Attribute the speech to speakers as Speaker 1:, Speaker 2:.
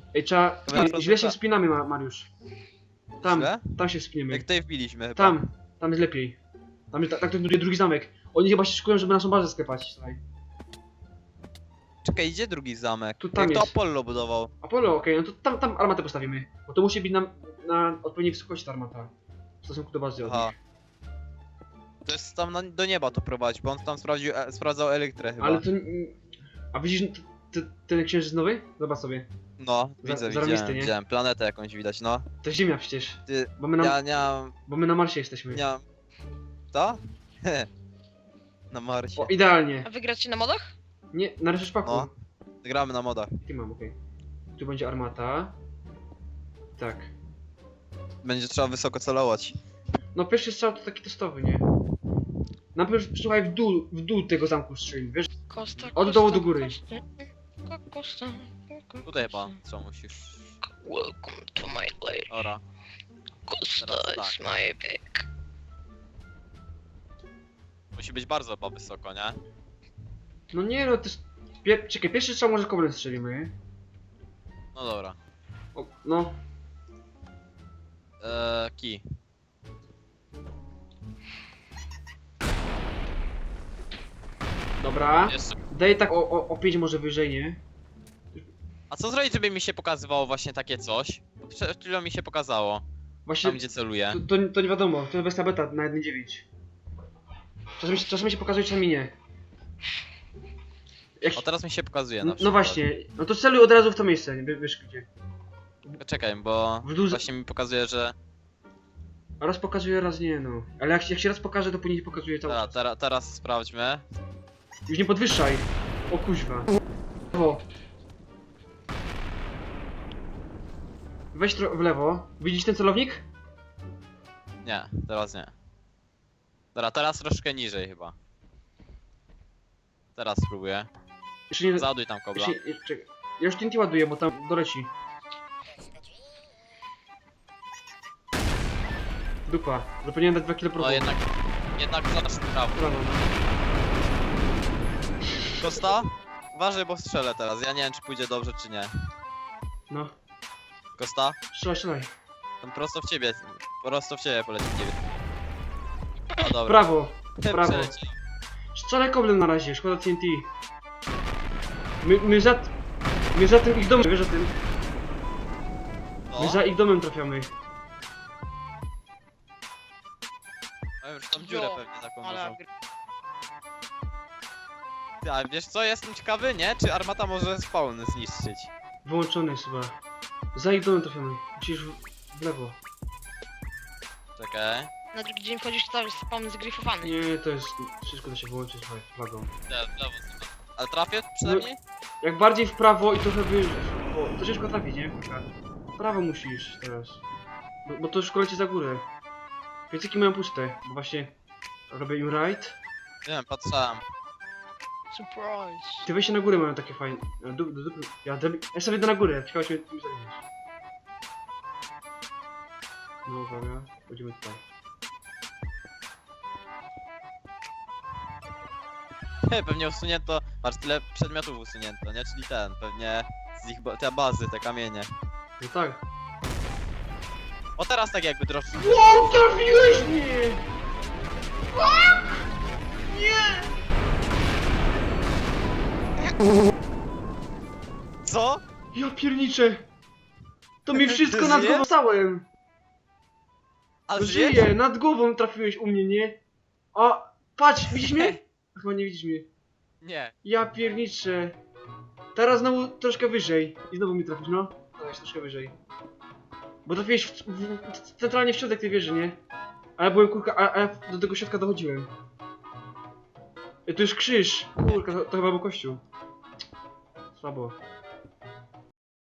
Speaker 1: Ej, trzeba...
Speaker 2: Dobra,
Speaker 1: Źle się
Speaker 2: to-
Speaker 1: wspinamy, Mariusz. Tam,
Speaker 2: Źle?
Speaker 1: tam się wspiniemy.
Speaker 2: Jak tutaj wbiliśmy chyba.
Speaker 1: Tam jest lepiej. Tam jest, tak to buduje drugi zamek. Oni chyba się szykują, żeby naszą bazę sklepać. Słuchaj.
Speaker 2: Czekaj, idzie drugi zamek.
Speaker 1: Tu tam
Speaker 2: Jak to
Speaker 1: jest.
Speaker 2: Apollo budował.
Speaker 1: Apollo, okej, no to tam armatę postawimy. Bo to musi być na odpowiedniej wysokości ta armata. W stosunku do bazy od
Speaker 2: Aha.
Speaker 1: nich.
Speaker 2: To jest tam do nieba to prowadzi, bo on tam sprawdzał elektrę chyba.
Speaker 1: Ale to... A widzisz ten księżyc nowy? Zobacz sobie.
Speaker 2: No,
Speaker 1: zarąbisty, nie?
Speaker 2: widziałem. Planetę jakąś widać, no.
Speaker 1: To Ziemia przecież.
Speaker 2: Ty,
Speaker 1: Bo my na,
Speaker 2: ja nie mam...
Speaker 1: bo my na Marsie jesteśmy.
Speaker 2: Nie mam... Co? Na Marsie.
Speaker 1: O, idealnie.
Speaker 3: A wy gracie na modach?
Speaker 1: Nie, na ryszpaku.
Speaker 2: No. Gramy na modach.
Speaker 1: Ty mam, okej. Tu będzie armata. Tak.
Speaker 2: Będzie trzeba wysoko celować.
Speaker 1: No pierwszy strzał to taki testowy, nie? Najpierw słuchaj w dół tego zamku strzelimy, wiesz?
Speaker 3: Kosta,
Speaker 1: Od dołu do góry.
Speaker 3: Kosta.
Speaker 2: Tutaj chyba, co musisz...
Speaker 3: Welcome to my lair.
Speaker 2: Ora.
Speaker 3: Kosta
Speaker 2: Teraz
Speaker 3: is
Speaker 2: tak.
Speaker 3: my back.
Speaker 2: Musi być bardzo chyba wysoko, nie?
Speaker 1: No nie no, to jest... Czekaj, pierwszy strzał może koblem strzelimy.
Speaker 2: No dobra.
Speaker 1: O, no.
Speaker 2: Key.
Speaker 1: Dobra.
Speaker 2: Jeszcze...
Speaker 1: Daj tak o 5 może wyżej, nie?
Speaker 2: A co zrobić, żeby mi się pokazywało właśnie takie coś? Bo przed chwilą mi się pokazało.
Speaker 1: Właśnie...
Speaker 2: Tam gdzie celuję.
Speaker 1: To nie wiadomo, to jest wersja beta na 1.9. Czasami się pokazuje, czasami nie. Jak...
Speaker 2: O, teraz mi się pokazuje na
Speaker 1: No
Speaker 2: przykład.
Speaker 1: właśnie, no to celuj od razu w to miejsce, nie wiesz gdzie.
Speaker 2: Czekaj, bo
Speaker 1: W dół...
Speaker 2: właśnie mi pokazuje, że...
Speaker 1: Raz pokazuje, raz nie, no. Ale jak się raz pokaże, to później pokazuje cały czas.
Speaker 2: Teraz sprawdźmy.
Speaker 1: Już nie podwyższaj. O kuźwa. O. Weź w lewo. Widzisz ten celownik?
Speaker 2: Nie, teraz nie. Dobra, teraz troszkę niżej chyba. Teraz spróbuję.
Speaker 1: Jeszcze nie...
Speaker 2: Załaduj tam kobla.
Speaker 1: Czekaj. Ja już TNT ładuję, bo tam doleci. Dupa. Zapomniałem dać 2 kg
Speaker 2: No
Speaker 1: prochu.
Speaker 2: jednak zadasz w prawo.
Speaker 1: Prawo, no.
Speaker 2: Kosta? Uważaj, bo strzelę teraz. Ja nie wiem, czy pójdzie dobrze, czy nie.
Speaker 1: No.
Speaker 2: Kosta?
Speaker 1: Strzelaj.
Speaker 2: Tam prosto w ciebie. Prosto w ciebie poleci ciebie. A dobra.
Speaker 1: Prawo. Prawo.
Speaker 2: Przeleciał.
Speaker 1: Strzelaj koblem na razie, szkoda TNT. My za tym ich domem, wiesz o tym?
Speaker 2: No.
Speaker 1: My za ich domem trafiamy.
Speaker 2: Mają już tam dziurę pewnie taką
Speaker 3: Ale
Speaker 2: dużą. Ty, a wiesz co, jestem ciekawy, nie? Czy armata może spawn zniszczyć?
Speaker 1: Wyłączony jest chyba. Za ich domem trafiamy. Musisz w lewo.
Speaker 2: Czekaj.
Speaker 3: na drugi dzień wchodzisz, to cały spawn zgryfowany.
Speaker 1: Nie, to jest... Wszystko da się wyłączyć flagą.
Speaker 2: Nie, w lewo sobie. Ale trafię przynajmniej?
Speaker 1: Jak bardziej w prawo i trochę wyżej. O, to ciężko trafić, nie? W prawo musisz teraz. Bo to już kolecie za górę. Piecyki mają puste, bo właśnie robię im right.
Speaker 2: Nie wiem, patrzałem.
Speaker 3: Surprise.
Speaker 1: Te wejście na górę mają takie fajne. Ja sobie idę na górę, ciekawe się tym zajmiesz. No uwaga, chodzimy tutaj.
Speaker 2: Nie, pewnie usunięto, patrz, tyle przedmiotów usunięto, nie? Czyli ten, pewnie z ich te bazy, te kamienie.
Speaker 1: No tak.
Speaker 2: O, teraz tak jakby troszkę.
Speaker 1: Wow, trafiłeś mnie!
Speaker 2: Co?
Speaker 1: Ja pierniczę! To mi wszystko
Speaker 2: Ty
Speaker 1: nad
Speaker 2: żyjesz?
Speaker 1: głową stałem!
Speaker 2: A
Speaker 1: Żyję, nad głową trafiłeś u mnie, nie? A, patrz, widzisz mnie? Chyba nie widzisz mnie.
Speaker 2: Nie.
Speaker 1: Ja pierniczę. Teraz znowu troszkę wyżej. I znowu mi trafisz, no. Dałeś troszkę wyżej. Bo trafiłeś centralnie w środek tej wieży, nie? A ja byłem kurka, a ja do tego środka dochodziłem. To już krzyż. Kurka, to chyba był kościół. Słabo.